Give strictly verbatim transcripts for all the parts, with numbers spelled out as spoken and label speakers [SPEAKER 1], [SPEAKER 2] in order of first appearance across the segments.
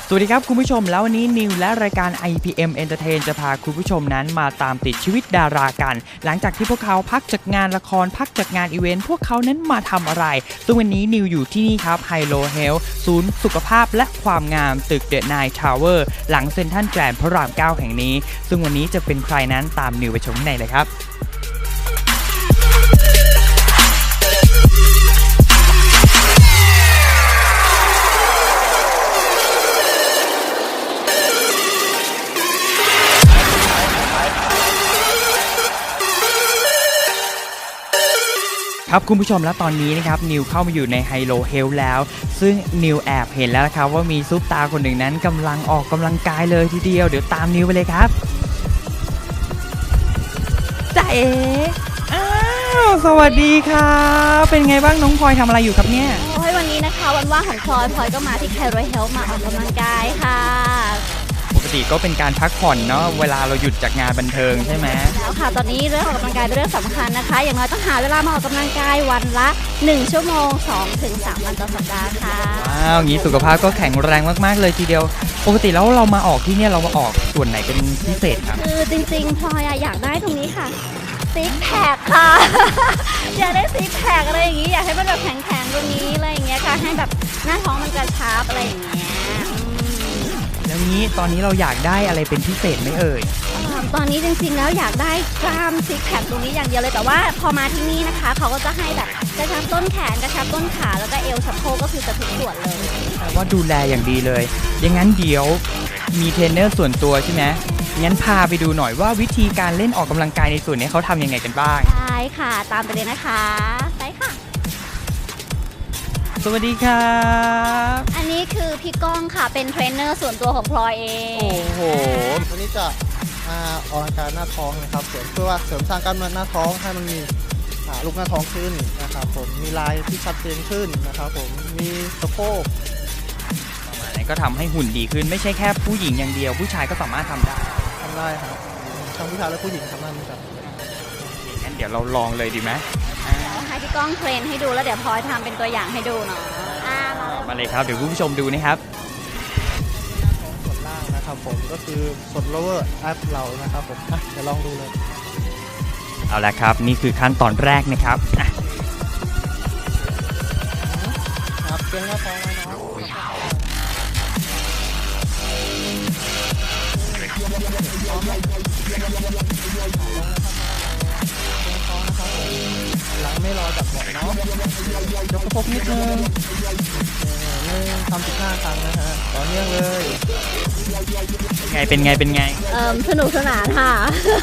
[SPEAKER 1] สวัสดีครับคุณผู้ชมแล้ววันนี้นิวและรายการ ไอ พี เอ็ม Entertain จะพาคุณผู้ชมนั้นมาตามติดชีวิตดารากันหลังจากที่พวกเขาพักจากงานละครพักจากงานอีเวนต์พวกเขานั้นมาทำอะไรซึ่งวันนี้นิวอยู่ที่นี่ครับ Hylo Health ศูนย์สุขภาพและความงามตึก The Nine Tower หลังเซ็นทรัลแกรนด์พระรามเก้าแห่งนี้ซึ่งวันนี้จะเป็นใครนั้นตามนิวไปชมข้างในเลยครับครับคุณผู้ชมและตอนนี้นะครับนิวเข้ามาอยู่ใน Hylo Health แล้วซึ่งนิวแอบเห็นแล้วนะครับว่ามีซุปตาคนหนึ่งนั้นกำลังออกกำลังกายเลยทีเดียวเดี๋ยวตามนิวไปเลยครับจ๊ะเอ๋อ้าวสวัสดีครับเป็นไงบ้างน้องพลอยทำอะไรอยู่ครับเนี่ย
[SPEAKER 2] โอ้ยวันนี้นะคะวันว่างของพลอยพลอยก็มาที่ Hylo Health มาออกกำลังกายค่ะ
[SPEAKER 1] ปกติก็เป็นการพักผ่อนเนาะเวลาเราหยุดจากงานบันเทิงใช่ไหม
[SPEAKER 2] แล้วค่ะตอนนี้เรื่องออกกำลังกายเป็นเรื่องสำคัญนะคะอย่างน้อยต้องหาเวลามาออกกำลังกายวันละหนึ่งชั่วโมง สองถึงสาม วันต่อสัปดาห์ค่ะ
[SPEAKER 1] ว้าวงี้สุขภาพก็แข็งแรงมากๆเลยทีเดียวปกติแล้วเรามาออกที่เนี่ยเรามาออกส่วนไหนเป็นพิเศษครับ
[SPEAKER 2] คือจริงๆพลอยอยากได้ตรงนี้ค่ะซิกแพคค่ะอยากได้ซิกแพคอะไรอย่างงี้อยากให้มันแบบแข็งๆตรงนี้อะไรอย่างเงี้ยค่ะให้แบบหน้าท้องมันกระชับอะไรอย่างเงี้ย
[SPEAKER 1] แล้วนี้ตอนนี้เราอยากได้อะไรเป็นพิเศษไหมเอ่ย
[SPEAKER 2] ตอนนี้จริงๆแล้วอยากได้กล้ามซิกแพคตรงนี้อย่างเดียวเลยแต่ว่าพอมาที่นี่นะคะเขาก็จะให้แบบกระชับต้นแขนกระชับต้นขาแล้วก็เอวสะโพกก็คือจะทุกส่วนเลย
[SPEAKER 1] แต่ว่าดูแลอย่างดีเลยอย่างนั้นเดี๋ยวมีเทรนเนอร์ส่วนตัวใช่ไหมงั้นพาไปดูหน่อยว่าวิธีการเล่นออกกำลังกายในส่วนนี้เขาทำยังไงกันบ้าง
[SPEAKER 2] ได้ค่ะตามไปเลยนะคะไปค่ะ
[SPEAKER 1] สวัสดีครับ
[SPEAKER 2] อันนี้คือพี่ก้องค่ะเป็นเทรนเนอร์ส่วนตัวของพลอยเอง
[SPEAKER 1] โอ้โห
[SPEAKER 3] วันนี้จะมาออกกำลังกายหน้าท้องนะครับเพื่อว่าเสริมสร้างกล้ามเนื้อหน้าท้องให้มันมีลูกหน้าท้องขึ้นนะครับผมมีลายที่ชัดเจนขึ้นนะครับผมมีสะโพก
[SPEAKER 1] ประมาณนี้ก็ทำให้หุ่นดีขึ้นไม่ใช่แค่ผู้หญิงอย่างเดียวผู้ชายก็สามารถทำได้
[SPEAKER 3] ทำได้ครับทั้งผู้ชายและผู้หญิงทำได้เหมือนกัน
[SPEAKER 1] งั้นเดี๋ยวเราลองเลยดีไหม
[SPEAKER 2] ให้พี่ก้องเทรนให้ดูแล้วเดี๋ยวพลอยทำเป็นตัวอย่างให้ดูเนาะ
[SPEAKER 1] มาเลยครับเดี๋ยวคุณผู้ชมดูนะครับ
[SPEAKER 3] ส่วนล่างนะครับผมก็คือส่วน lower ab เรานะครับผมเดี๋ยวลองดูเลย
[SPEAKER 1] เอาละครับนี่คือขั้นตอนแรกนะครับ
[SPEAKER 3] ครับเกร็งหน้าท้องไว้เนาะหลังไม่รอจับเบาะเนาะยกสะโพกนิดนึงหนึ่งทำสิบห้าครั้งนะฮะต่อเนื่องเลย
[SPEAKER 1] ไงเป็นไงเป็นไง
[SPEAKER 2] เอ่อสนุกสนานค่ะ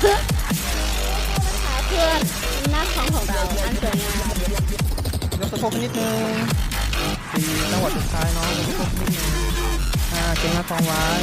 [SPEAKER 2] เพื่อหน้าท้องของเราอันสวยงาม
[SPEAKER 3] ยกสะโพกนิดนึงสี่จังหวะสุดท้ายเนาะยกสะโพกนิดนึงอ่าเกร็งหน้าท้องไว้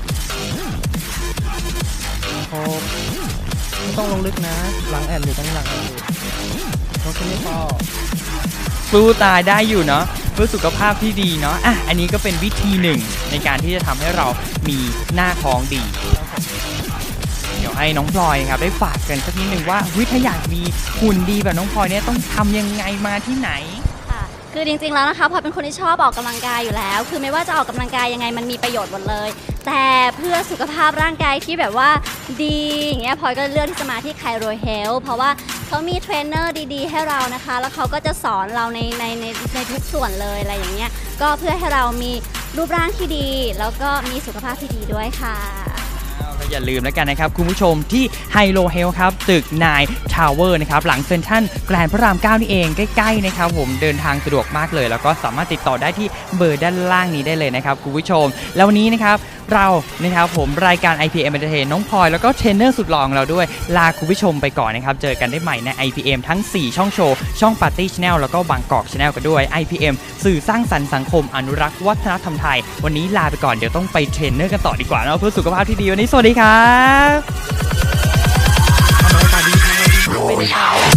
[SPEAKER 3] หกไม่ต้องลงลึกนะหลังแอนอยู่ตรงหลังอยู่ลงแค่นี้พอ
[SPEAKER 1] สู้ตายได้อยู่เนาะเพื่อสุขภาพที่ดีเนาะอ่ะอันนี้ก็เป็นวิธีหนึ่งในการที่จะทำให้เรามีหน้าท้องดีเดี๋ยวให้น้องพลอยครับได้ฝากกันสักนิดหนึ่งว่าวิถ้าอยากมีหุ่นดีแบบน้องพลอยเนี่ยต้องทำยังไงมาที่ไหน
[SPEAKER 2] คือจริงๆแล้วนะคะพลอยเป็นคนที่ชอบออกกำลังกายอยู่แล้วคือไม่ว่าจะออกกำลังกายยังไงมันมีประโยชน์หมดเลยแต่เพื่อสุขภาพร่างกายที่แบบว่าดีอย่างเงี้ยพลอยก็เลือกที่จะมาที่ Hylo Health เพราะว่าเขามีเทรนเนอร์ดีๆให้เรานะคะแล้วเขาก็จะสอนเราในในในในทุกส่วนเลยอะไรอย่างเงี้ยก็เพื่อให้เรามีรูปร่างที่ดีแล้วก็มีสุขภาพที่ดีด้วยค่ะ
[SPEAKER 1] อย่าลืมแล้วกันนะครับคุณผู้ชมที่ Hylo Health ครับตึก Nine Tower นะครับหลังเซ็นทรัลแกรนด์พระรามเก้านี่เองใกล้ๆนะครับผมเดินทางสะดวกมากเลยแล้วก็สามารถติดต่อได้ที่เบอร์ด้านล่างนี้ได้เลยนะครับคุณผู้ชมแล้ววันนี้นะครับเรานะครับผมรายการ ไอ พี เอ็ม Entertain น้องพลอยแล้วก็เทรนเนอร์สุดหล่อของเราด้วยลาคุณผู้ชมไปก่อนนะครับเจอกันได้ใหม่ใน ไอ พี เอ็ม ทั้งสี่ช่องโชว์ช่อง Party Channel แล้วก็บางกอก Channel กันด้วย ไอ พี เอ็ม สื่อสร้างสรรค์สังคมอนุรักษ์วัฒนธรรมไทยวันนี้ลาไปก่อนเดี๋ยวต้องไปเทรนเนอร์กันต่อดีกว่าเนาะเพื่อสุขภาพที่ดีวันนี้สวัสดีครับทำอะไรตาดีทำอะไรดีไม่ได้ข่าว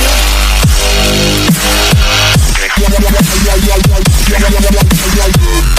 [SPEAKER 1] อันนี้คือ